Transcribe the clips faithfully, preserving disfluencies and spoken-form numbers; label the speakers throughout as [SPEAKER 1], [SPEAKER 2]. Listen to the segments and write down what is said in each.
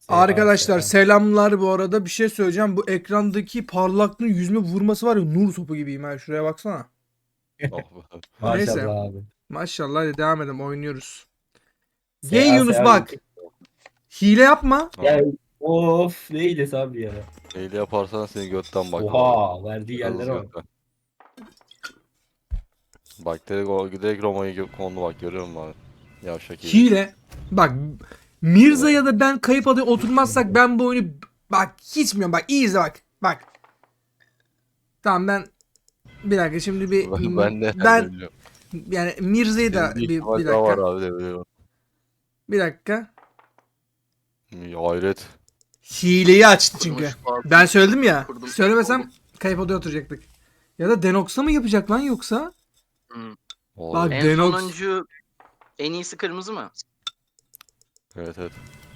[SPEAKER 1] Arkadaşlar
[SPEAKER 2] selam.
[SPEAKER 1] selamlar bu arada. Bir şey söyleyeceğim. Bu ekrandaki parlaklığın yüzüme vurması var ya, nur topu gibiyim ha. Şuraya baksana.
[SPEAKER 3] Oh be.
[SPEAKER 1] Neyse.
[SPEAKER 2] Maşallah abi.
[SPEAKER 1] Maşallah, hadi devam edelim, oynuyoruz. Gay
[SPEAKER 2] S A
[SPEAKER 1] Yunus
[SPEAKER 2] S A
[SPEAKER 1] bak. Hile yapma.
[SPEAKER 2] Ya of ne iyilesi abi ya.
[SPEAKER 3] Neyle yaparsan seni götten bak.
[SPEAKER 2] Oha verdiği
[SPEAKER 3] Yalnız
[SPEAKER 2] yerlere bak.
[SPEAKER 3] götten. Bak direkt, o, direkt Roma'yı gö- kondu bak, görüyor musun abi? Yavşak iyi.
[SPEAKER 1] Hile. Bak, Mirza ya da ben kayıp adaya oturmazsak ben bu oyunu bak hiç bilmiyorum. Bak iyi izle bak. Bak. Tamam ben bir dakika şimdi bir
[SPEAKER 3] Ben, ben de
[SPEAKER 1] ben
[SPEAKER 3] biliyorum.
[SPEAKER 1] yani Mirza'yı da
[SPEAKER 3] Senin
[SPEAKER 1] bir,
[SPEAKER 3] ihtimal
[SPEAKER 1] bir
[SPEAKER 3] daha var
[SPEAKER 1] dakika.
[SPEAKER 3] abi de biliyorum.
[SPEAKER 1] Bir dakika.
[SPEAKER 3] Hayret.
[SPEAKER 1] Hileyi açtı çünkü.
[SPEAKER 4] Kurmuş bazı-
[SPEAKER 1] Ben söyledim ya.
[SPEAKER 4] Kurdum.
[SPEAKER 1] Söylemesem kayıp odaya oturacaktık. Ya da Denox'a mı yapacak lan yoksa?
[SPEAKER 4] Hmm.
[SPEAKER 3] Olabilir.
[SPEAKER 1] Bak,
[SPEAKER 4] En
[SPEAKER 1] Denox.
[SPEAKER 4] sonuncu en iyisi kırmızı mı?
[SPEAKER 3] Evet evet.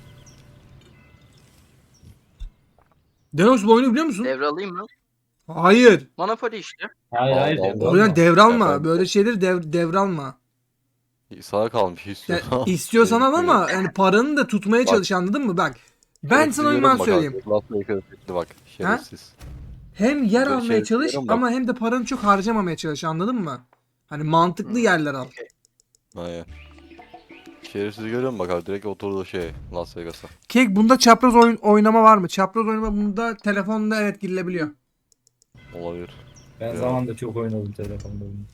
[SPEAKER 1] Denox bu oyunu biliyor musun?
[SPEAKER 4] Devralayım mı?
[SPEAKER 1] Hayır.
[SPEAKER 4] Monopoly işte.
[SPEAKER 2] Hayır hayır.
[SPEAKER 3] Allah
[SPEAKER 2] evde
[SPEAKER 3] Allah.
[SPEAKER 1] O yüzden
[SPEAKER 2] olma.
[SPEAKER 1] devralma.
[SPEAKER 3] Efendim?
[SPEAKER 1] Böyle şeyleri dev, devralma.
[SPEAKER 3] Sana kalmış
[SPEAKER 1] Yani
[SPEAKER 3] istiyorsan.
[SPEAKER 1] istiyorsan al
[SPEAKER 3] Tehlikeli.
[SPEAKER 1] ama yani paranı da tutmaya
[SPEAKER 3] Bak.
[SPEAKER 1] çalış, anladın mı? Bak. Ben
[SPEAKER 3] Şerefsiz
[SPEAKER 1] sana oyunu
[SPEAKER 3] görüyorum bak
[SPEAKER 1] söyleyeyim.
[SPEAKER 3] abi. Las Vegas'a gitti bak. Şerefsiz.
[SPEAKER 1] Hem yer
[SPEAKER 3] Böyle
[SPEAKER 1] almaya
[SPEAKER 3] şerefsiz
[SPEAKER 1] çalış
[SPEAKER 3] görüyorum bak.
[SPEAKER 1] ama hem de paranı çok harcamamaya çalış, anladın mı? Hani mantıklı
[SPEAKER 4] Hmm.
[SPEAKER 1] yerler al.
[SPEAKER 3] Aynen. Şerefsiz görüyor musun bak abi, direkt oturdu şey Las Vegas'a.
[SPEAKER 1] Kek, bunda çapraz oyun oynama var mı? Çapraz oynama bunda telefonda evet girilebiliyor.
[SPEAKER 3] Olabilir.
[SPEAKER 2] Ben
[SPEAKER 3] Ya.
[SPEAKER 2] zamanında çok oynadım telefonda bunu.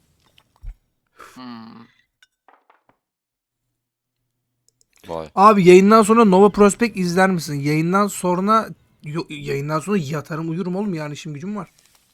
[SPEAKER 4] Hmm.
[SPEAKER 3] Vay.
[SPEAKER 1] Abi yayından sonra Nova Prospect izler misin? Yayından sonra yo- yayından sonra yatarım uyurum oğlum, yani işim gücüm var.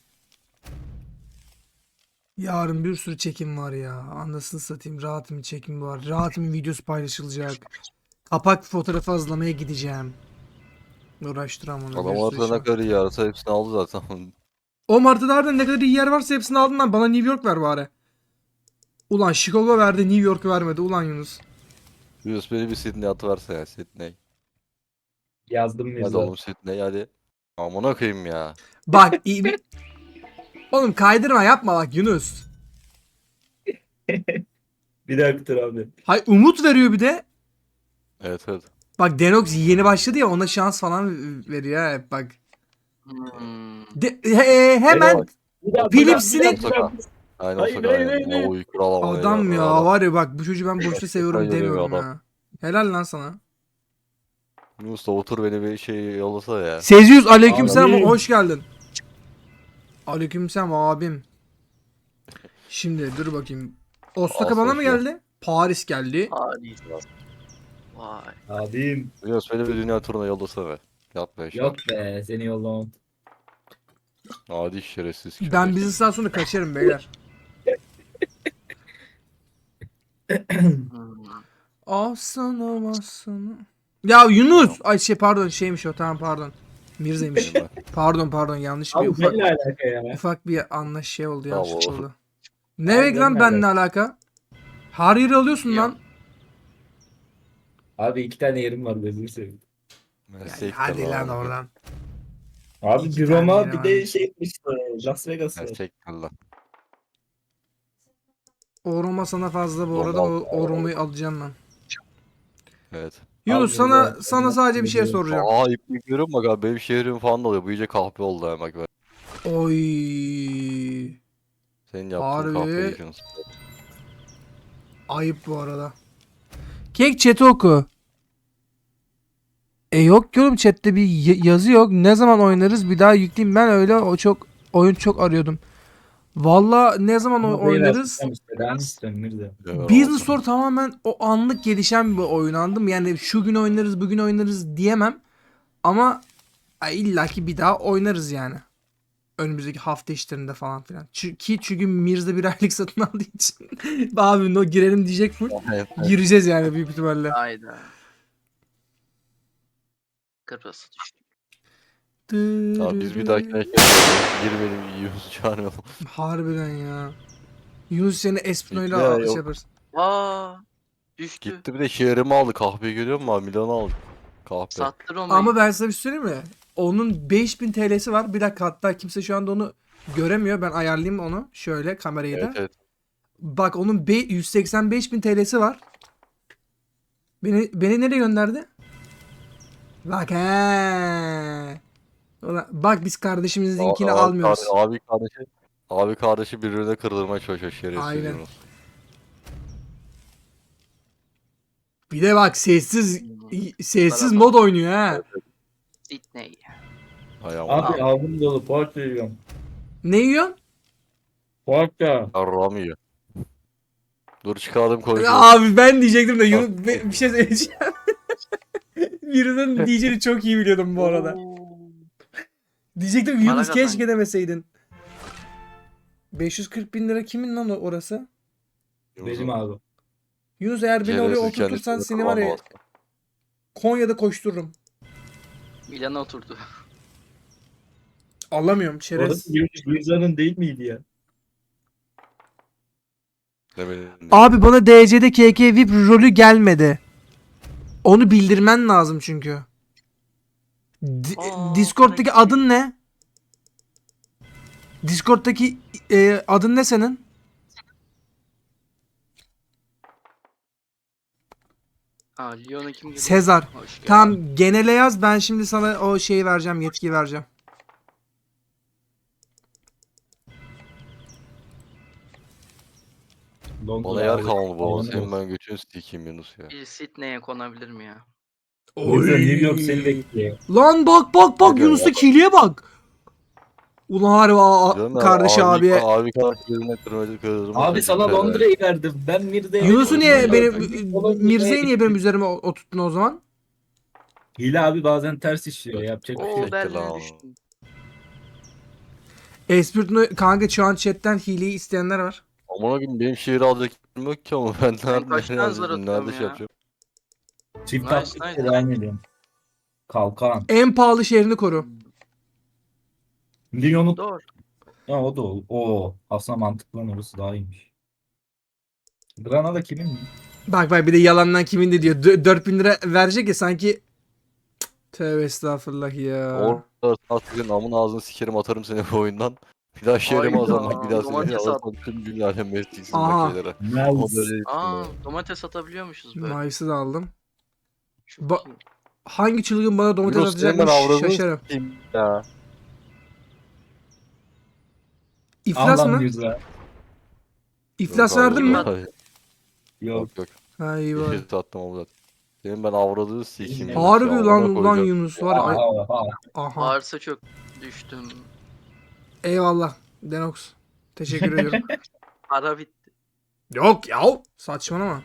[SPEAKER 1] Yarın bir sürü çekim var ya. Anasını satayım, rahatım çekim var. Rahatım videosu paylaşılacak. Kapak fotoğrafı hazırlamaya gideceğim. Uğraştıramam onu.
[SPEAKER 3] Adam
[SPEAKER 1] bir sürü
[SPEAKER 3] ortada
[SPEAKER 1] iş
[SPEAKER 3] ne
[SPEAKER 1] var.
[SPEAKER 3] kadar iyi yarasa hepsini aldı zaten.
[SPEAKER 1] O martıda harbiden ne kadar iyi yer varsa hepsini aldın lan. Bana New York ver bari. Ulan Chicago verdi, New York vermedi. Ulan Yunus.
[SPEAKER 3] Yunus beni bir Sydney atıverse ya, Sydney.
[SPEAKER 2] Yazdım
[SPEAKER 3] Hadi
[SPEAKER 2] Mirza.
[SPEAKER 3] oğlum Sydney hadi. Amına koyayım ya.
[SPEAKER 1] Bak iyi bir... Oğlum kaydırma yapma bak Yunus.
[SPEAKER 2] Bir dakika dur abi.
[SPEAKER 1] Hay umut veriyor bir de.
[SPEAKER 3] Evet evet.
[SPEAKER 1] Bak Denox yeni başladı ya, ona şans falan veriyor ha hep bak.
[SPEAKER 4] Hmm.
[SPEAKER 1] De- he- hemen
[SPEAKER 3] bak.
[SPEAKER 2] Bir daha,
[SPEAKER 1] Philips'ini-
[SPEAKER 2] bir daha, bir daha, bir daha.
[SPEAKER 3] Aynen
[SPEAKER 2] Hayır,
[SPEAKER 3] olsa
[SPEAKER 2] hayır,
[SPEAKER 3] aynen.
[SPEAKER 2] hayır, hayır.
[SPEAKER 3] O uyku alamam.
[SPEAKER 1] adam ya var ya, bak bu çocuğu ben boşta
[SPEAKER 3] Gerçekten
[SPEAKER 1] seviyorum
[SPEAKER 3] öyle bir
[SPEAKER 1] demiyorum
[SPEAKER 3] adam.
[SPEAKER 1] ya. Helal lan sana.
[SPEAKER 3] Yunus da otur beni bir şey yollasa ya.
[SPEAKER 1] Seziyoruz, aleykümselam,
[SPEAKER 2] Abi.
[SPEAKER 1] hoş geldin. Aleykümselam abim. Şimdi dur bakayım. Osaka
[SPEAKER 3] Asıl
[SPEAKER 1] bana mı
[SPEAKER 3] şey.
[SPEAKER 1] geldi? Paris geldi.
[SPEAKER 4] Paris. Vay.
[SPEAKER 2] Abim.
[SPEAKER 3] Yunus beni bir dünya turuna yollasana be. Yap be şu an.
[SPEAKER 2] Yok be seni yollamam.
[SPEAKER 3] Adi şerefsiz.
[SPEAKER 1] Ben
[SPEAKER 3] köpek.
[SPEAKER 1] business'tan sonra kaçarım beyler.
[SPEAKER 4] Hmm.
[SPEAKER 1] Aslanım aslanım. Ya Yunus. Ay şey pardon, şeymiş o, tamam pardon. Mirza'ymış.
[SPEAKER 3] Benim ben.
[SPEAKER 1] Pardon pardon, yanlış bir
[SPEAKER 2] Abi
[SPEAKER 1] ufak
[SPEAKER 2] benimle alaka ya.
[SPEAKER 1] ufak bir anlaş şey oldu,
[SPEAKER 3] Tamam
[SPEAKER 1] yanlış
[SPEAKER 3] oğlum.
[SPEAKER 1] oldu. Ne
[SPEAKER 2] Abi
[SPEAKER 1] demek lan
[SPEAKER 2] benimle
[SPEAKER 1] benimle alaka? Her yeri alıyorsun
[SPEAKER 4] Yok.
[SPEAKER 1] lan.
[SPEAKER 2] Abi iki tane yerim var gözünü seveyim.
[SPEAKER 3] Ben
[SPEAKER 1] Ya,
[SPEAKER 3] siktir
[SPEAKER 1] hadi lan
[SPEAKER 3] abi.
[SPEAKER 1] oradan.
[SPEAKER 2] Abi
[SPEAKER 1] İki
[SPEAKER 2] bir
[SPEAKER 1] tane
[SPEAKER 2] Roma
[SPEAKER 1] yeri
[SPEAKER 2] bir
[SPEAKER 1] var.
[SPEAKER 2] de şey işte Las Vegas
[SPEAKER 3] Ben
[SPEAKER 2] var.
[SPEAKER 3] siktir lan.
[SPEAKER 1] O Roma sana fazla bu
[SPEAKER 3] Roma
[SPEAKER 1] arada, o,
[SPEAKER 3] al-
[SPEAKER 1] o Roma'yı alacağım ben.
[SPEAKER 3] Evet.
[SPEAKER 1] Yunus
[SPEAKER 2] Abi
[SPEAKER 1] sana
[SPEAKER 2] ya,
[SPEAKER 1] sana
[SPEAKER 2] ben
[SPEAKER 1] sadece bir şey
[SPEAKER 2] biliyorum.
[SPEAKER 1] soracağım.
[SPEAKER 3] Aa iplik görüyorum bak abi, benim şehrim falan da oluyor. Bu iyice kahpe oldu ha bak.
[SPEAKER 1] Oy.
[SPEAKER 3] Senin yaptığın
[SPEAKER 1] Harbi.
[SPEAKER 3] kahpe Yunus.
[SPEAKER 1] Ayıp bu arada. Kek chat'i oku. E yok ki oğlum, chatte bir y- yazı yok. Ne zaman oynarız bir daha yükleyeyim, ben öyle o çok oyun çok arıyordum. Valla ne zaman o-
[SPEAKER 2] Ama beyler,
[SPEAKER 1] oynarız?
[SPEAKER 2] sen işte, ben istiyorum Mirza.
[SPEAKER 3] Evet,
[SPEAKER 1] Business
[SPEAKER 3] olsun.
[SPEAKER 1] Store tamamen o anlık gelişen bir oyun, anladın mı? Yani şu gün oynarız bugün oynarız diyemem. Ama ay, illaki bir daha oynarız yani. Önümüzdeki hafta içlerinde falan filan. Çünkü, çünkü Mirza bir aylık satın aldığı için. Abi no girelim diyecek full.
[SPEAKER 3] Evet, evet.
[SPEAKER 1] Gireceğiz yani büyük ihtimalle.
[SPEAKER 4] Hayda. Kırmızı düştü.
[SPEAKER 3] Abi biz bir dahakine şey girmeyelim, Yunus çağırmayalım.
[SPEAKER 1] Harbiden ya. Yunus seni Espino'yla
[SPEAKER 3] Ya,
[SPEAKER 1] al- şey
[SPEAKER 3] yok.
[SPEAKER 1] yaparız.
[SPEAKER 4] Aa. Düştü.
[SPEAKER 3] Gitti bir de şehrimi aldı, kahve görüyor musun abi, Milano aldı. Kahve.
[SPEAKER 4] Sattı Roma'yı.
[SPEAKER 1] Ama ben sana bir şey söyleyeyim mi? Onun beş bin T L'si var. Bir dakika, hatta kimse şu anda onu göremiyor. Ben ayarlayayım onu. Şöyle kamerayı
[SPEAKER 3] Evet
[SPEAKER 1] da.
[SPEAKER 3] evet.
[SPEAKER 1] Bak onun be- yüz seksen beş bin T L'si var. Beni beni nereye gönderdi? Bak he. Ulan, bak biz kardeşimizinkini
[SPEAKER 3] Abi,
[SPEAKER 1] almıyoruz.
[SPEAKER 3] kardeşi, abi kardeşi abi kardeşi birbirine kırdırmaya çalışıyor şerefsiz
[SPEAKER 1] Aynen.
[SPEAKER 3] Yunus.
[SPEAKER 1] Bir de bak sessiz
[SPEAKER 4] Hmm.
[SPEAKER 1] sessiz
[SPEAKER 4] Beraber.
[SPEAKER 1] mod oynuyor ha.
[SPEAKER 4] Sydney.
[SPEAKER 3] Hay aman.
[SPEAKER 2] Abi aldım dolu poğaça yiyorum.
[SPEAKER 1] Ne yiyorsun?
[SPEAKER 2] Poğaça.
[SPEAKER 3] Yarrağımı yiyor. Dur çıkardım konuşuyoruz.
[SPEAKER 1] Abi ben diyecektim de Yunus be- bir şey söyleyeceğim. Birinin diyeceğini çok iyi biliyordum bu arada.
[SPEAKER 4] Oo.
[SPEAKER 1] Diyecektim
[SPEAKER 4] Para
[SPEAKER 1] Yunus keşke
[SPEAKER 4] kazandı.
[SPEAKER 1] demeseydin. beş yüz kırk bin lira kimin lan o- orası?
[SPEAKER 2] Benim abi.
[SPEAKER 1] Yunus eğer beni oraya
[SPEAKER 3] Şerefsiz
[SPEAKER 1] oturtursan
[SPEAKER 3] kendisi
[SPEAKER 1] seni var ya
[SPEAKER 3] kullanmaz.
[SPEAKER 1] Konya'da koştururum.
[SPEAKER 4] Milan'a oturdu.
[SPEAKER 1] Alamıyorum çerez.
[SPEAKER 2] Orası Gülzar'ın değil miydi ya?
[SPEAKER 3] Ne benim-
[SPEAKER 1] Abi bana D C'de K K V I P rolü gelmedi. Onu bildirmen lazım çünkü. Di-
[SPEAKER 4] Aa,
[SPEAKER 1] Discord'daki
[SPEAKER 4] para
[SPEAKER 1] adın ne? Discord'daki e, adın ne senin?
[SPEAKER 4] Aa, Lyon'a kim geliyor?
[SPEAKER 1] Sezar.
[SPEAKER 4] Hoş geldin.
[SPEAKER 1] Tamam genele yaz ben şimdi sana o şeyi vereceğim yetki vereceğim.
[SPEAKER 2] Londra
[SPEAKER 3] Bana yer
[SPEAKER 2] abi.
[SPEAKER 3] kalmadı baba.
[SPEAKER 2] Aynen
[SPEAKER 3] Senin
[SPEAKER 2] olsun.
[SPEAKER 3] ben götünü sikeyim Yunus ya.
[SPEAKER 4] Bir Sydney'e konabilir mi ya?
[SPEAKER 2] Gülzar New York seni bekliyor.
[SPEAKER 1] Lan bak bak bak
[SPEAKER 3] Ne diyor
[SPEAKER 1] Yunus'ta
[SPEAKER 3] ya?
[SPEAKER 1] kiliye bak. Ulan harbi a-
[SPEAKER 3] Diyorum ya,
[SPEAKER 1] kardeş
[SPEAKER 3] abi,
[SPEAKER 1] abiye.
[SPEAKER 3] Abi kardeşi birbirine kırmaya kırdırmaya
[SPEAKER 2] Abi sana
[SPEAKER 3] çalışıyor.
[SPEAKER 2] Londra'yı verdim. Ben Mirze'ye...
[SPEAKER 1] Yunus'u niye benim
[SPEAKER 2] Londra'ya
[SPEAKER 1] Mirze'yi niye benim
[SPEAKER 2] gittim.
[SPEAKER 1] üzerime o- oturttun o zaman?
[SPEAKER 2] Hile abi bazen ters işliyor. Yapacak bir şey
[SPEAKER 4] Oo
[SPEAKER 2] yok.
[SPEAKER 3] Bekle
[SPEAKER 4] Berlin'e
[SPEAKER 3] lan.
[SPEAKER 4] düştüm.
[SPEAKER 1] Espritno kanka şu an chatten hileyi isteyenler var.
[SPEAKER 3] Amına koyayım benim şehri alacak yerim yok ki ama ben nerede
[SPEAKER 4] kaç
[SPEAKER 3] nereye
[SPEAKER 4] tane zar
[SPEAKER 3] alacağım,
[SPEAKER 4] atıyorum
[SPEAKER 3] nerede şey
[SPEAKER 4] ya?
[SPEAKER 3] yapacağım.
[SPEAKER 2] Çift
[SPEAKER 4] Nice,
[SPEAKER 2] atlık
[SPEAKER 4] nice.
[SPEAKER 2] devam ediyorum. Kalkan.
[SPEAKER 1] En pahalı şehrini koru.
[SPEAKER 2] Lyon'u...
[SPEAKER 4] Doğru.
[SPEAKER 2] Ha o da o. Oo, aslında mantıklı lan orası daha iyiymiş. Granada kimin mi?
[SPEAKER 1] Bak bak bir de yalandan kimin de diyor. Dö- dört bin lira verecek ya sanki. Tövbe estağfurullah ya.
[SPEAKER 3] Orada artık amın ağzını sikerim atarım seni bu oyundan. Bir daha şehrime
[SPEAKER 4] Hayda,
[SPEAKER 3] azalmak bir daha seni
[SPEAKER 4] domates at.
[SPEAKER 3] alırsan tüm dünya alem mesleksiz
[SPEAKER 1] Aha.
[SPEAKER 3] bak şeylere. Ama
[SPEAKER 2] Nice.
[SPEAKER 3] böyle
[SPEAKER 4] Aa domates atabiliyormuşuz böyle.
[SPEAKER 1] Mayıs'ı da aldım.
[SPEAKER 4] Çok
[SPEAKER 1] Ba-
[SPEAKER 4] iyi.
[SPEAKER 1] Hangi çılgın bana domates
[SPEAKER 3] Yunus senin ben
[SPEAKER 1] atacakmış
[SPEAKER 3] avradını
[SPEAKER 1] şaşarım.
[SPEAKER 3] sikeyim ya.
[SPEAKER 1] İflas
[SPEAKER 2] Allah
[SPEAKER 1] mı?
[SPEAKER 2] Mirza.
[SPEAKER 1] İflas
[SPEAKER 3] Yok abi,
[SPEAKER 1] verdin mi?
[SPEAKER 3] yok, hayır.
[SPEAKER 2] Yok.
[SPEAKER 3] Yok yok.
[SPEAKER 1] Ha iyi var.
[SPEAKER 3] Yeşil sattım ama zaten. Senin ben avradını sikeyim. Yunus
[SPEAKER 1] Harbi
[SPEAKER 3] ya, amına
[SPEAKER 1] lan lan
[SPEAKER 3] koyacağım.
[SPEAKER 1] Yunus var.
[SPEAKER 2] Aha,
[SPEAKER 1] Ay,
[SPEAKER 2] aha.
[SPEAKER 1] aha.
[SPEAKER 4] Bağırsa çok düştüm.
[SPEAKER 1] Eyvallah. Denox. Teşekkür ediyorum.
[SPEAKER 4] Para bitti.
[SPEAKER 1] Yok ya. Saçmalama.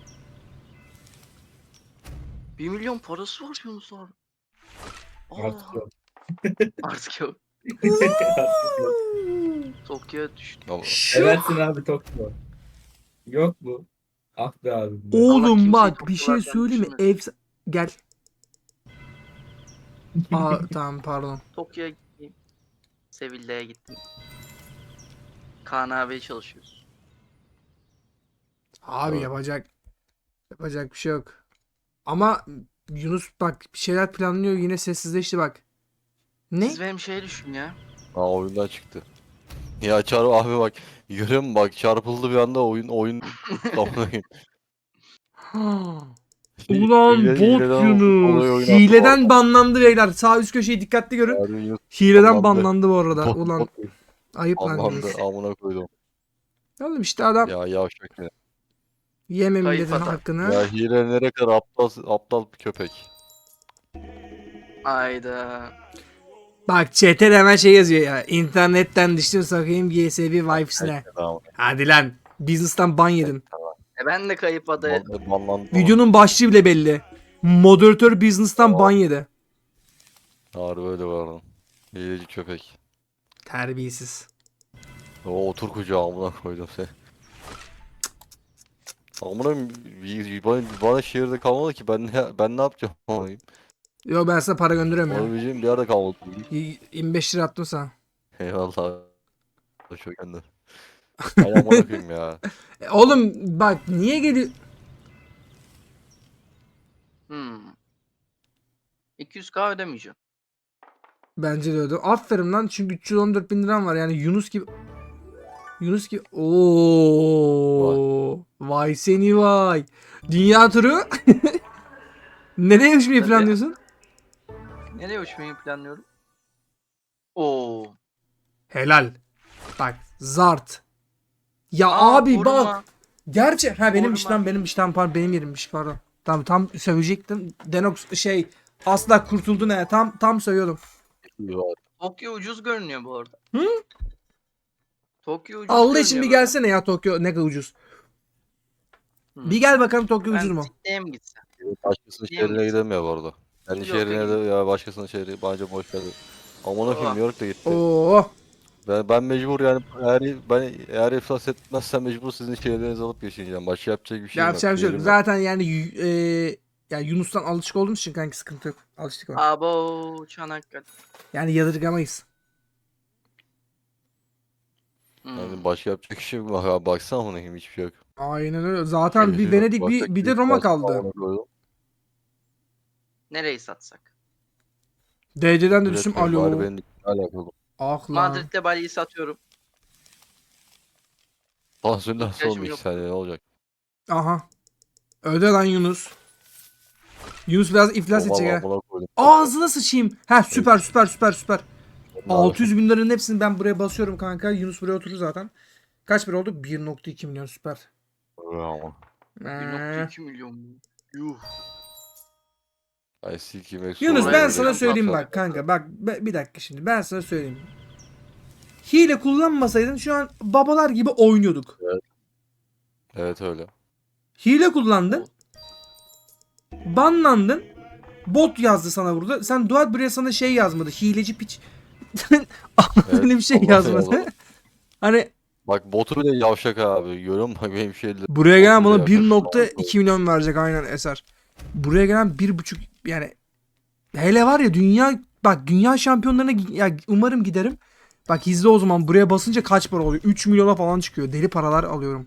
[SPEAKER 4] Bir milyon parası var Yunus abi. Aa,
[SPEAKER 2] Artık yok.
[SPEAKER 4] artık yok.
[SPEAKER 2] Artık yok.
[SPEAKER 4] Tokyo'ya düştü.
[SPEAKER 3] Ama
[SPEAKER 2] Seversin abi Tokyo. Yok mu? Ah be abi.
[SPEAKER 4] Allah
[SPEAKER 1] Oğlum
[SPEAKER 4] kimseyi
[SPEAKER 1] bak bir şey
[SPEAKER 4] Tokyo'lardan
[SPEAKER 1] söyleyeyim mi?
[SPEAKER 4] düşürmesin.
[SPEAKER 1] Ev gel. Aa tamam pardon.
[SPEAKER 4] Tokyo'ya gittim. Sevilla'ya gittim. Kaan abiye çalışıyoruz.
[SPEAKER 1] Abi
[SPEAKER 3] Evet.
[SPEAKER 1] yapacak yapacak bir şey yok. Ama Yunus bak bir şeyler planlıyor yine sessizleşti bak. Ne?
[SPEAKER 4] Siz benim şey düşün ya.
[SPEAKER 3] Aa oyundan çıktı. Ya çarp abi bak. Görüyor musun bak çarpıldı bir anda oyun oyun. Amına koyayım.
[SPEAKER 1] Ha. Ulan
[SPEAKER 3] Hile-
[SPEAKER 1] bot
[SPEAKER 3] hileden olay
[SPEAKER 1] Yunus.
[SPEAKER 3] oynatma.
[SPEAKER 1] Hileden banlandı beyler. Sağ üst köşeyi dikkatli görün.
[SPEAKER 3] Harbi Yunus
[SPEAKER 1] Hileden
[SPEAKER 3] banlandı.
[SPEAKER 1] banlandı bu arada.
[SPEAKER 3] bot-
[SPEAKER 1] Ulan
[SPEAKER 3] bot
[SPEAKER 1] ayıp lan
[SPEAKER 3] banlandı.
[SPEAKER 1] Yunus.
[SPEAKER 3] Amına koydum.
[SPEAKER 1] Oğlum işte adam
[SPEAKER 3] Ya yavşak ya.
[SPEAKER 1] yeme
[SPEAKER 4] Kayıp
[SPEAKER 1] milletin
[SPEAKER 4] adam.
[SPEAKER 1] hakkını.
[SPEAKER 3] Ya hilelere kadar aptal aptal bir köpek.
[SPEAKER 4] Ayda.
[SPEAKER 1] Bak chat'e de hemen şey yazıyor ya. İnternetten düştüm sakayım G S B Vibes'ine.
[SPEAKER 3] Tamam.
[SPEAKER 1] Hadi lan. Business'tan ban yedin.
[SPEAKER 4] E ben de kayıp adaya.
[SPEAKER 3] Ban- Banlandı.
[SPEAKER 1] Videonun başlığı bile belli. Moderatör business'tan ban yedi.
[SPEAKER 3] Harbi öyle var lan. Hileci köpek.
[SPEAKER 1] Terbiyesiz.
[SPEAKER 3] O otur kucağa amına koydum seni. Amına bir- bana, bana şehirde kalmadı ki ben ne ben ne yapacağım amına.
[SPEAKER 1] Yo ben sana para gönderiyorum ya.
[SPEAKER 3] Olabileceğim bir yerde kalmadı.
[SPEAKER 1] Y- yirmi beş lira attım sana.
[SPEAKER 3] Eyvallah. Çok gönder. Ay amına koyayım ya.
[SPEAKER 1] E, oğlum bak niye geliyor?
[SPEAKER 4] Hmm. iki yüz k ödemeyeceğim.
[SPEAKER 1] Bence de öyle. Aferin lan çünkü üç yüz on dört bin liram var yani Yunus gibi. Yunus gibi. Oo. Vay seni vay. Dünya turu. Nereye uçmayı
[SPEAKER 4] Tabii.
[SPEAKER 1] planlıyorsun?
[SPEAKER 4] Nereye uçmayı planlıyorum? Oo.
[SPEAKER 1] Helal. Bak zart. Ya
[SPEAKER 4] Aa,
[SPEAKER 1] abi
[SPEAKER 4] koruma.
[SPEAKER 1] bak. Gerçi ha benimmiş
[SPEAKER 4] Koruma.
[SPEAKER 1] lan benimmiş tam pardon benim yerimmiş pardon. Tamam tam sövecektim. Denox şey asla kurtuldu ne tam tam sövüyordum.
[SPEAKER 3] İyi var.
[SPEAKER 4] Tokyo ucuz görünüyor bu arada.
[SPEAKER 1] Hı?
[SPEAKER 4] Tokyo ucuz
[SPEAKER 1] Allah için bir
[SPEAKER 4] görünüyor
[SPEAKER 1] gelsene ya Tokyo ne kadar ucuz.
[SPEAKER 4] böyle.
[SPEAKER 1] Bir gel bakalım Tokyo
[SPEAKER 4] Ben
[SPEAKER 1] ucuz mu?
[SPEAKER 4] Sydney'e mi gitsem?
[SPEAKER 3] Başkasının
[SPEAKER 4] Niye mi
[SPEAKER 3] şehrine
[SPEAKER 4] gitsin?
[SPEAKER 3] gidemiyor bu arada. Kendi
[SPEAKER 4] New York'a
[SPEAKER 3] şehrine de
[SPEAKER 4] gideyim.
[SPEAKER 3] ya başkasının şehri bence boş ver. Aman
[SPEAKER 4] Aa.
[SPEAKER 3] akım New York da gitti.
[SPEAKER 1] Oo.
[SPEAKER 3] Ben, ben mecbur yani eğer ben eğer iflas etmezsem mecbur sizin şehirlerinizi alıp yaşayacağım. Başka yapacak bir şey yok.
[SPEAKER 1] Yapacak bir şey yok.
[SPEAKER 3] Yerim yok.
[SPEAKER 1] Zaten yani y- e, ya Yunus'tan alışık olduğumuz için kanki sıkıntı yok. Alıştık ona.
[SPEAKER 4] Abo Çanakkale.
[SPEAKER 1] Yani yadırgamayız.
[SPEAKER 4] Hmm.
[SPEAKER 3] Yani başka yapacak bir şey yok. Bak abi baksana buna hiçbir şey yok.
[SPEAKER 1] Aynen öyle. Zaten
[SPEAKER 3] Hiçbir
[SPEAKER 1] bir
[SPEAKER 3] şey yok.
[SPEAKER 1] Venedik bir,
[SPEAKER 3] Başka
[SPEAKER 1] bir de
[SPEAKER 3] bir
[SPEAKER 1] Roma
[SPEAKER 3] pas
[SPEAKER 1] kaldı.
[SPEAKER 3] falan koydum.
[SPEAKER 4] Nereyi satsak?
[SPEAKER 1] D C'den de
[SPEAKER 3] Kabul
[SPEAKER 1] düştüm.
[SPEAKER 3] etmiyorum. Bari
[SPEAKER 1] Alo.
[SPEAKER 3] benim alakalı.
[SPEAKER 1] Ah lan.
[SPEAKER 4] Madrid'de Bali'yi satıyorum.
[SPEAKER 3] Tansiyondan
[SPEAKER 4] İhtiyacım
[SPEAKER 3] son iki
[SPEAKER 4] yok.
[SPEAKER 3] saniye ne olacak?
[SPEAKER 1] Aha. Öde lan Yunus. Yunus biraz iflas
[SPEAKER 3] Aman
[SPEAKER 1] edecek ha.
[SPEAKER 3] amına koydum.
[SPEAKER 1] Ağzına sıçayım. Ha süper süper süper süper.
[SPEAKER 3] Onlar-
[SPEAKER 1] altı yüz bin liranın hepsini ben buraya basıyorum kanka. Yunus buraya oturur zaten. Kaç bir oldu? bir nokta iki milyon süper.
[SPEAKER 3] Aman.
[SPEAKER 4] bir
[SPEAKER 1] Ee.
[SPEAKER 4] nokta iki milyon mu? Yuh.
[SPEAKER 3] Ay silkeyim eksi
[SPEAKER 1] Yunus
[SPEAKER 3] olarak
[SPEAKER 1] ben
[SPEAKER 3] böyle
[SPEAKER 1] sana
[SPEAKER 3] bir
[SPEAKER 1] söyleyeyim
[SPEAKER 3] şey
[SPEAKER 1] bak kanka. Bak be- bir dakika şimdi. Ben sana söyleyeyim. Hile kullanmasaydın şu an babalar gibi oynuyorduk.
[SPEAKER 3] Evet öyle.
[SPEAKER 1] Hile kullandın. Banlandın. Bot yazdı sana burada. Sen Duat buraya sana şey yazmadı. Hileci piç. Öyle bir şey
[SPEAKER 3] Allah
[SPEAKER 1] yazmadı.
[SPEAKER 3] Allah.
[SPEAKER 1] Hani
[SPEAKER 3] Bak botu bile yavşak abi. Görüyor musun? Bak benim şeyle.
[SPEAKER 1] buraya gelen
[SPEAKER 3] Botu bile
[SPEAKER 1] bana
[SPEAKER 3] yavşak.
[SPEAKER 1] bir nokta iki milyon verecek aynen Eser. Buraya gelen bir buçuk yani hele var ya dünya bak dünya şampiyonlarına gi- ya umarım giderim. Bak izle o zaman buraya basınca kaç para oluyor? üç milyona falan çıkıyor. Deli paralar alıyorum.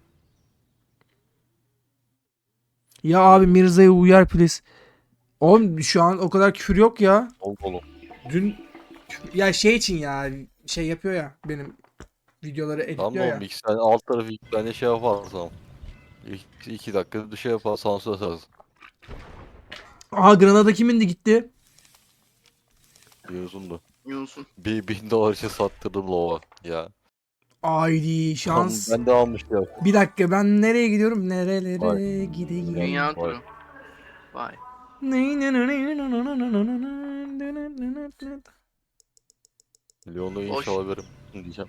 [SPEAKER 1] Ya abi Mirza'ya uyar please. Oğlum şu an o kadar küfür yok ya.
[SPEAKER 3] Ol oğlum.
[SPEAKER 1] Dün ya şey için ya şey yapıyor ya benim videoları
[SPEAKER 3] Tamam
[SPEAKER 1] editliyor
[SPEAKER 3] da
[SPEAKER 1] ya.
[SPEAKER 3] oğlum iki tane alt tarafı iki tane şey yaparsam. İki, iki dakika bir şey yapar sansür atarsın.
[SPEAKER 1] Aha Granada kimindi gitti?
[SPEAKER 3] Bir uzundu.
[SPEAKER 4] Yunus'un.
[SPEAKER 3] Bir bin dolar için sattırdım lova ya.
[SPEAKER 1] Haydi şans.
[SPEAKER 3] Ben de almıştım.
[SPEAKER 1] Bir dakika ben nereye gidiyorum? Nerelere
[SPEAKER 3] Vay.
[SPEAKER 1] gideyim?
[SPEAKER 4] Dünya
[SPEAKER 3] Vay.
[SPEAKER 4] turu. Vay.
[SPEAKER 3] Milyonda
[SPEAKER 4] Boş.
[SPEAKER 3] inşallah alabilirim diyeceğim.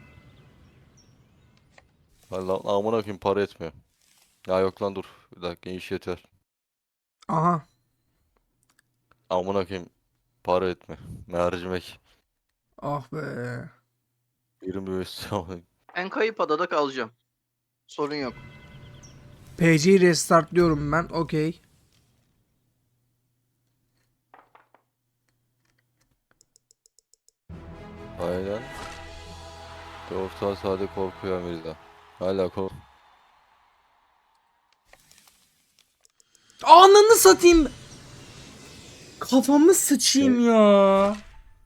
[SPEAKER 3] Lan lan amına koyayım para etmiyor. Ya yok lan dur. Bir dakika iş yeter.
[SPEAKER 1] Aha.
[SPEAKER 3] Amına koyayım para etme. Mercimek.
[SPEAKER 1] Ah be.
[SPEAKER 3] yirmi beş
[SPEAKER 4] Ben kayıp adada kalacağım. Sorun yok.
[SPEAKER 1] P C'yi restartlıyorum ben. Okey.
[SPEAKER 3] Aynen. dört saat sadece korkuyor Mirza. Hala kork.
[SPEAKER 1] Ananı satayım. Kafamı sıçayım ya.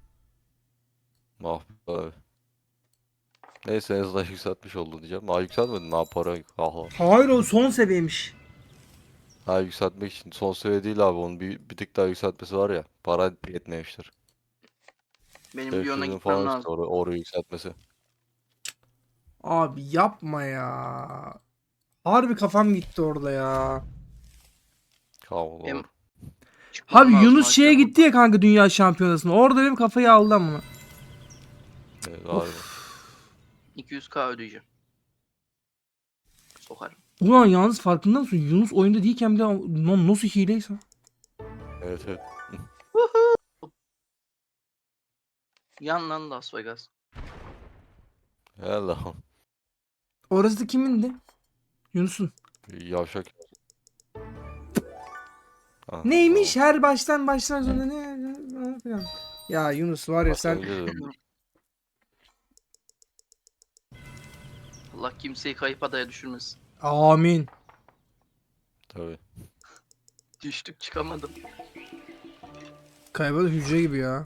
[SPEAKER 3] Ah be abi. Neyse en azından yükseltmiş oldu diyeceğim. Ha yükseltmedin ha para yok. Aha.
[SPEAKER 1] Hayır o son seviyeymiş.
[SPEAKER 3] Ha yükseltmek için son seviye değil abi onun bir, bir tık daha yükseltmesi var ya. Para yetmemiştir.
[SPEAKER 4] Benim
[SPEAKER 3] beş
[SPEAKER 4] Lyon'a
[SPEAKER 3] yüzün
[SPEAKER 4] gitmem
[SPEAKER 3] falan işte
[SPEAKER 4] lazım.
[SPEAKER 3] or orayı yükseltmesi.
[SPEAKER 1] Abi yapma ya. Harbi kafam gitti orada ya.
[SPEAKER 3] Kavga
[SPEAKER 4] Benim-
[SPEAKER 3] olur.
[SPEAKER 4] Çıkmam
[SPEAKER 1] Abi
[SPEAKER 4] lazım
[SPEAKER 1] Yunus şeye
[SPEAKER 4] akşam.
[SPEAKER 1] gitti ya kanka dünya şampiyonasına. Orada benim kafayı aldı ama.
[SPEAKER 3] Evet, harbi.
[SPEAKER 4] iki yüz k ödeyeceğim. Sokarım.
[SPEAKER 1] Ulan yalnız farkında mısın? Yunus oyunda değilken bile lan nasıl hileyse.
[SPEAKER 3] Evet evet.
[SPEAKER 4] Yan lan Las Vegas.
[SPEAKER 3] Helal.
[SPEAKER 1] Orası da kimindi? Yunus'un.
[SPEAKER 3] Yavşak. Ha,
[SPEAKER 1] Neymiş her baştan baştan sonra ne, ne falan. Ya Yunus var ya sen
[SPEAKER 3] Başlangıcı da-
[SPEAKER 4] Allah kimseyi kayıp adaya düşürmesin.
[SPEAKER 1] amin.
[SPEAKER 3] Tabii.
[SPEAKER 4] Düştük çıkamadım.
[SPEAKER 1] Kaybolan hücre gibi ya.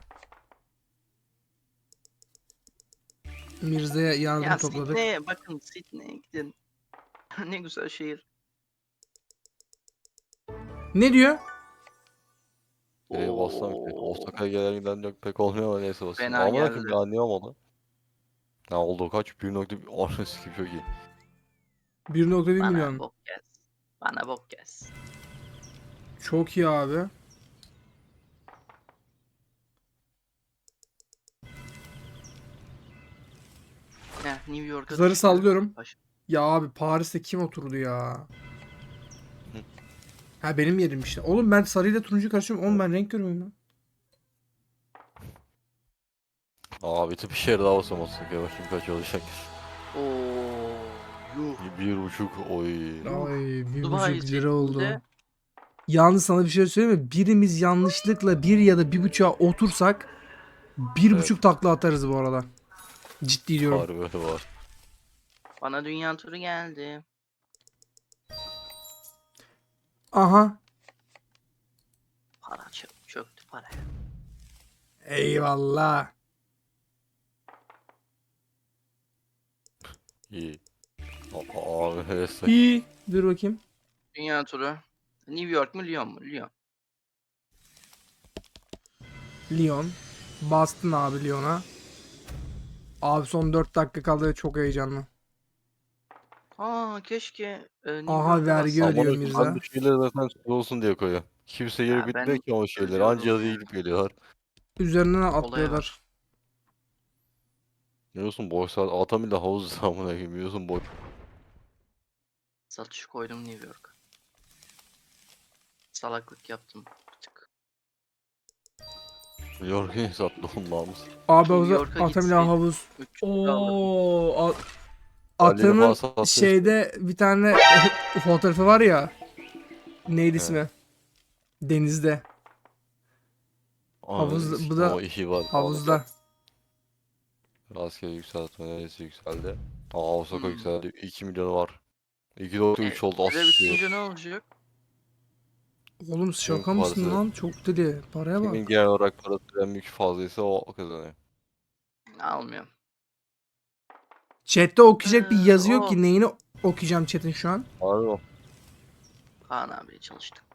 [SPEAKER 1] Mirza'ya yardım
[SPEAKER 4] Ya
[SPEAKER 1] topladık.
[SPEAKER 4] Sydney'e bakın Sydney'e gidin. Ne güzel şehir.
[SPEAKER 1] Ne diyor?
[SPEAKER 3] Nereye bassam ki?
[SPEAKER 4] Oo.
[SPEAKER 3] Osaka'ya gelen giden yok pek olmuyor ama neyse basayım.
[SPEAKER 4] Fena
[SPEAKER 3] Amına
[SPEAKER 4] geldi.
[SPEAKER 3] koyayım ya anlıyorum onu. Ne oldu kaç? bir nokta bir Anası gibi çok iyi.
[SPEAKER 1] bir nokta bir
[SPEAKER 4] Bana
[SPEAKER 1] milyon.
[SPEAKER 4] bok gez. Bana bok gez.
[SPEAKER 1] Çok iyi abi.
[SPEAKER 4] Heh, New York'a
[SPEAKER 1] Kızları
[SPEAKER 4] düştü.
[SPEAKER 1] sallıyorum.
[SPEAKER 4] Baş-
[SPEAKER 1] Ya abi Paris'te kim oturdu ya?
[SPEAKER 3] Hı.
[SPEAKER 1] Ha benim yerim işte. Oğlum ben sarıyla turuncu karıştırıyorum. Oğlum ben renk görmüyorum lan.
[SPEAKER 3] Aa bir bir şehir daha basam Osaka'ya bakayım kaç olacak.
[SPEAKER 4] Oo. Yuh.
[SPEAKER 3] Bir buçuk oy.
[SPEAKER 1] Ay bir
[SPEAKER 4] Dubai
[SPEAKER 1] buçuk lira oldu.
[SPEAKER 4] seçiminde
[SPEAKER 1] Yalnız sana bir şey söyleyeyim mi? Birimiz yanlışlıkla bir ya da bir buçuğa otursak bir
[SPEAKER 3] Evet.
[SPEAKER 1] buçuk takla atarız bu arada. Ciddi diyorum.
[SPEAKER 3] Harbi öyle var.
[SPEAKER 4] bana dünya turu geldi.
[SPEAKER 1] Aha.
[SPEAKER 4] Para çö- çöktü para.
[SPEAKER 1] Eyvallah.
[SPEAKER 3] İyi. Aa, abi evet.
[SPEAKER 1] İyi. Dur bakayım.
[SPEAKER 4] Dünya turu. New York mu Lyon mu? Lyon.
[SPEAKER 1] Lyon. Bastın abi Lyon'a. Abi son dört dakika kaldı ve çok heyecanlı.
[SPEAKER 4] Aa keşke e, New
[SPEAKER 1] Aha,
[SPEAKER 4] York'a
[SPEAKER 1] vergi
[SPEAKER 4] bassam.
[SPEAKER 1] ödüyor
[SPEAKER 3] Amına
[SPEAKER 1] Mirza.
[SPEAKER 3] koyayım ben bu şeyleri zaten şey olsun diye koyuyor. Kimse
[SPEAKER 4] Ya
[SPEAKER 3] yeri
[SPEAKER 4] ben
[SPEAKER 3] bitmiyor ki o şeyler.
[SPEAKER 4] ödüyorum
[SPEAKER 3] Anca yazıya
[SPEAKER 4] ya.
[SPEAKER 3] gidip geliyorlar.
[SPEAKER 1] Üzerinden
[SPEAKER 4] Olaya
[SPEAKER 1] atlıyorlar.
[SPEAKER 3] Biliyorsun boş saat atam ile havuz zamına koyayım. Biliyorsun boş.
[SPEAKER 4] Satış koydum New York. Salaklık yaptım. Bir tık.
[SPEAKER 3] Yorgun sattı olmamız.
[SPEAKER 1] Abi
[SPEAKER 4] New
[SPEAKER 1] havuza
[SPEAKER 4] York'a
[SPEAKER 1] Atamila
[SPEAKER 4] gitseydim
[SPEAKER 1] havuz.
[SPEAKER 4] üç yüz lira alırdım.
[SPEAKER 1] Oo, a-
[SPEAKER 3] Halil'i falan
[SPEAKER 1] Atanın
[SPEAKER 3] sattı işte.
[SPEAKER 1] şeyde bir tane fotoğrafı var ya. Neydi
[SPEAKER 3] Evet.
[SPEAKER 1] ismi? Denizde. Havuz-
[SPEAKER 3] Havuz,
[SPEAKER 1] bu da
[SPEAKER 3] o işi var.
[SPEAKER 1] Havuzda.
[SPEAKER 3] Rastgele yükseltme neresi yükseldi? Aa Osaka
[SPEAKER 4] Hmm.
[SPEAKER 3] yükseldi. iki milyonu var. iki nokta üç
[SPEAKER 4] E,
[SPEAKER 3] oldu.
[SPEAKER 4] süre
[SPEAKER 3] Asıl.
[SPEAKER 4] bitince ne olacak?
[SPEAKER 1] Oğlum şaka
[SPEAKER 3] Kimin
[SPEAKER 1] mısın
[SPEAKER 3] parası?
[SPEAKER 1] lan? Çok dedi. Paraya
[SPEAKER 3] Kimin
[SPEAKER 1] bak.
[SPEAKER 3] genel olarak parası en büyük fazlaysa o kazanıyor.
[SPEAKER 4] Almıyorum.
[SPEAKER 1] Chat'te okuyacak bir
[SPEAKER 4] Ee,
[SPEAKER 1] yazı yok
[SPEAKER 4] o.
[SPEAKER 1] ki. Neyini okuyacağım chat'in şu an?
[SPEAKER 3] Harbi o.
[SPEAKER 4] Kaan abiye çalıştım.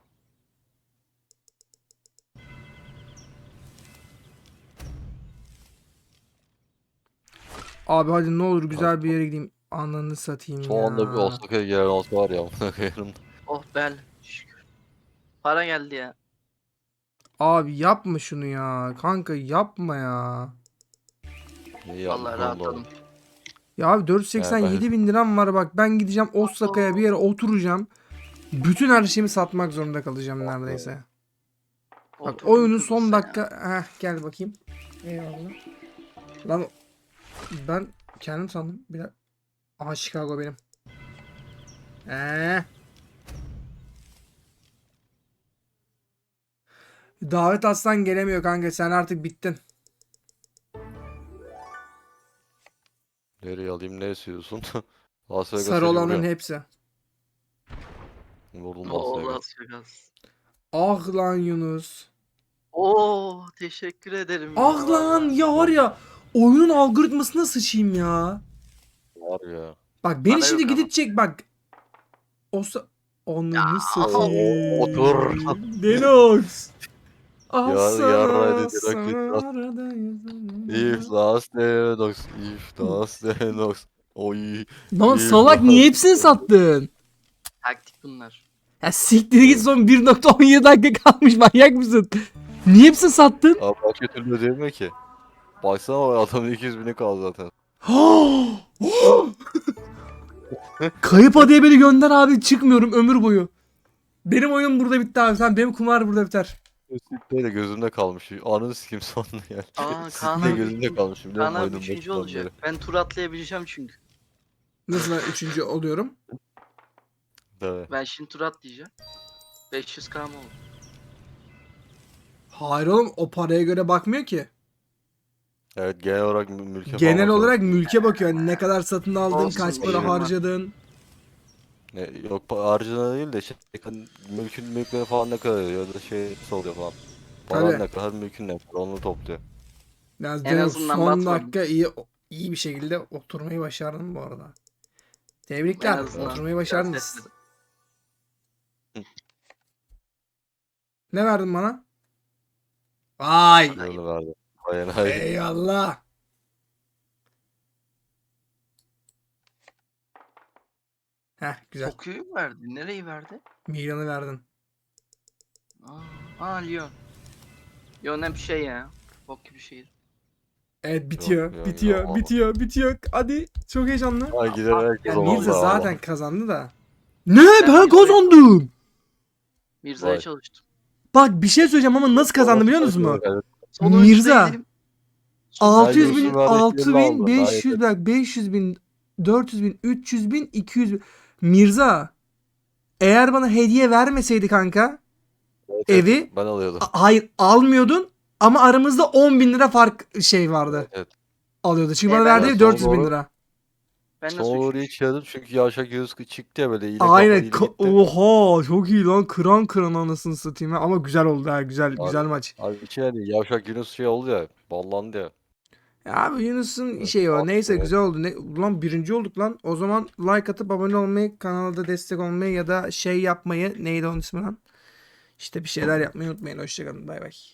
[SPEAKER 1] Abi hadi ne olur güzel bir yere gideyim. Ananı satayım
[SPEAKER 3] Son anda bir
[SPEAKER 1] ya.
[SPEAKER 3] Osaka'ya gelen olsa var ya. Amına koyarım.
[SPEAKER 4] Oh bel. Şükür. Para geldi ya.
[SPEAKER 1] Abi yapma şunu ya. Kanka yapma ya.
[SPEAKER 3] İyi yapmış
[SPEAKER 4] Vallahi
[SPEAKER 3] oğlum
[SPEAKER 4] rahatladım.
[SPEAKER 3] doğru.
[SPEAKER 1] Ya abi dört yüz seksen yedi bin liram var bak. Ben gideceğim Osaka'ya bir yere oturacağım. Bütün her şeyimi satmak zorunda kalacağım neredeyse. Bak
[SPEAKER 4] Oturdum
[SPEAKER 1] oyunun son
[SPEAKER 4] Kıbrıs'a ya.
[SPEAKER 1] dakika... Heh gel bakayım. Eyvallah. Lan ben kendim sandım. Bir dakika. Aha Chicago benim. Eee. Davet atsan gelemiyor kanka. Sen artık bittin.
[SPEAKER 3] Nereye alayım ne istiyorsun? Las Vegas'a
[SPEAKER 1] Sarı olanın
[SPEAKER 3] vuruyor.
[SPEAKER 1] hepsi.
[SPEAKER 3] Vurdum Las
[SPEAKER 4] Oo
[SPEAKER 3] Vegas.
[SPEAKER 4] Las Vegas.
[SPEAKER 1] Ah lan Yunus.
[SPEAKER 4] Oo teşekkür ederim. ya,
[SPEAKER 1] Ah lan
[SPEAKER 4] vallahi.
[SPEAKER 1] ya var ya. Oyunun algoritmasına sıçayım ya.
[SPEAKER 3] Var ya.
[SPEAKER 1] Bak beni
[SPEAKER 4] Para
[SPEAKER 1] şimdi
[SPEAKER 4] yok ama.
[SPEAKER 1] gidecek bak. Osa... Onu
[SPEAKER 4] Ya,
[SPEAKER 1] satayım.
[SPEAKER 3] otur.
[SPEAKER 1] Denox. Ah
[SPEAKER 3] Ya-
[SPEAKER 1] sana
[SPEAKER 3] yarraydı,
[SPEAKER 1] sana
[SPEAKER 3] direkt
[SPEAKER 1] aradayım.
[SPEAKER 3] If Las Vegas. If Las Vegas. Oy.
[SPEAKER 1] Lan
[SPEAKER 3] if
[SPEAKER 1] salak
[SPEAKER 3] Las
[SPEAKER 1] niye hepsini
[SPEAKER 3] Vegas.
[SPEAKER 1] sattın?
[SPEAKER 4] Taktik bunlar.
[SPEAKER 1] Ya siktir git son bir nokta on yedi dakika kalmış manyak mısın? Niye hepsini sattın?
[SPEAKER 3] Abi başka türlü ödeyemiyor ki. Baksana o adamın iki yüz bini kaldı zaten.
[SPEAKER 1] Kayıp adaya beni gönder abi çıkmıyorum ömür boyu. Benim oyun burada bitti abi. Sen benim kumar burada biter.
[SPEAKER 3] Sikte de gözümde kalmış. Anını sikim sonunu yani.
[SPEAKER 4] Aa Kaan
[SPEAKER 3] Sikte
[SPEAKER 4] abi.
[SPEAKER 3] gözümde kalmış. Biliyor
[SPEAKER 4] Kaan
[SPEAKER 3] musun
[SPEAKER 4] abi
[SPEAKER 3] oyunun
[SPEAKER 4] üçüncü
[SPEAKER 3] başından
[SPEAKER 4] olacak.
[SPEAKER 3] beri.
[SPEAKER 4] Ben tur atlayabileceğim çünkü.
[SPEAKER 1] Nasıl ben üçüncü oluyorum?
[SPEAKER 3] Evet.
[SPEAKER 4] Ben şimdi tur atlayacağım. beş yüz K mı oldu?
[SPEAKER 1] Hayır oğlum o paraya göre bakmıyor ki.
[SPEAKER 3] Evet genel olarak mü- mülke falan
[SPEAKER 1] Genel
[SPEAKER 3] bakıyorum.
[SPEAKER 1] olarak mülke bakıyor. Yani ne kadar satın aldın,
[SPEAKER 4] Olsun,
[SPEAKER 1] kaç para
[SPEAKER 4] eyvallah.
[SPEAKER 1] harcadın.
[SPEAKER 3] Ne, yok pa- harcına değil de şey, hani mülkün mülkleri falan ne kadar ya da şey nasıl oluyor falan. Paran
[SPEAKER 1] Tabii.
[SPEAKER 3] ne kadar mülkün ne kadar onu topluyor.
[SPEAKER 1] Yani
[SPEAKER 4] En
[SPEAKER 1] Denox
[SPEAKER 4] azından
[SPEAKER 1] son
[SPEAKER 4] batmadım.
[SPEAKER 1] dakika iyi iyi bir şekilde oturmayı başardın bu arada. Tebrikler.
[SPEAKER 4] En azından
[SPEAKER 1] Oturmayı
[SPEAKER 4] biraz
[SPEAKER 1] başardınız.
[SPEAKER 4] etmedim.
[SPEAKER 1] Ne verdin bana? Vay.
[SPEAKER 3] Ayağını verdi. Ayağını hayır.
[SPEAKER 1] Eyvallah. Heh güzel.
[SPEAKER 4] Tokyo'yu mu verdi? Nereyi verdi?
[SPEAKER 1] Milan'ı verdin.
[SPEAKER 4] Aa, aa Lyon. Lyon hep şey ya. Bok gibi şehir.
[SPEAKER 1] Evet bitiyor.
[SPEAKER 3] Yok, yok,
[SPEAKER 1] bitiyor.
[SPEAKER 3] yok.
[SPEAKER 1] bitiyor. Bitiyor. Hadi. Çok heyecanlı.
[SPEAKER 3] Ha gider herkes
[SPEAKER 1] Yani
[SPEAKER 3] oldu
[SPEAKER 1] Mirza
[SPEAKER 3] ama.
[SPEAKER 1] zaten kazandı da. Ne?
[SPEAKER 4] Ben
[SPEAKER 1] Ben
[SPEAKER 4] Mirza'yı-
[SPEAKER 1] kazandım.
[SPEAKER 4] Mirza'ya
[SPEAKER 3] Vay.
[SPEAKER 4] çalıştım.
[SPEAKER 1] Bak bir şey söyleyeceğim ama nasıl kazandım biliyor musunuz mu?
[SPEAKER 3] Evet.
[SPEAKER 4] Son
[SPEAKER 1] Mirza.
[SPEAKER 4] oyuncudayım dedim. Son
[SPEAKER 1] altı yüz bin,
[SPEAKER 3] Yunus'un verdiği
[SPEAKER 1] altı
[SPEAKER 3] elli
[SPEAKER 1] bin,
[SPEAKER 3] aldı.
[SPEAKER 1] beş yüz,
[SPEAKER 3] Daha
[SPEAKER 1] bak beş yüz bin, dört yüz bin, üç yüz bin, iki yüz bin. Mirza, eğer bana hediye vermeseydi kanka,
[SPEAKER 3] Evet,
[SPEAKER 1] evi-
[SPEAKER 3] evet, ben alıyordum.
[SPEAKER 1] a- hayır almıyordun ama aramızda on bin lira fark şey vardı.
[SPEAKER 3] Evet, evet.
[SPEAKER 1] Alıyordu. Çünkü
[SPEAKER 4] E,
[SPEAKER 1] bana
[SPEAKER 4] ben
[SPEAKER 1] verdiği
[SPEAKER 3] de
[SPEAKER 1] dört yüz
[SPEAKER 3] son
[SPEAKER 1] bin
[SPEAKER 3] doğru-
[SPEAKER 1] lira.
[SPEAKER 4] Ben
[SPEAKER 3] Son
[SPEAKER 4] nasıl
[SPEAKER 3] orayı
[SPEAKER 4] üçüncü?
[SPEAKER 3] hiç yedim çünkü yavşak Yunus çıktı ya böyle iyilik
[SPEAKER 1] Aynen.
[SPEAKER 3] yapmadı, iyilik
[SPEAKER 1] Ka-
[SPEAKER 3] gitti.
[SPEAKER 1] Oha çok iyi lan. Kıran kıran anasını satayım ya. Ama güzel oldu ha. Güzel
[SPEAKER 3] Abi-
[SPEAKER 1] güzel maç.
[SPEAKER 3] Abi içine yani yavşak Yunus şey oldu ya, ballandı ya.
[SPEAKER 1] Ya abi Yunus'un
[SPEAKER 3] Evet,
[SPEAKER 1] şeyi o.
[SPEAKER 3] aferin,
[SPEAKER 1] Neyse
[SPEAKER 3] evet.
[SPEAKER 1] güzel oldu. Ne, ulan birinci olduk lan. O zaman like atıp abone olmayı, kanalda destek olmayı ya da şey yapmayı, neydi onun ismi lan? İşte bir şeyler yapmayı unutmayın. Hoşçakalın. Bay bay.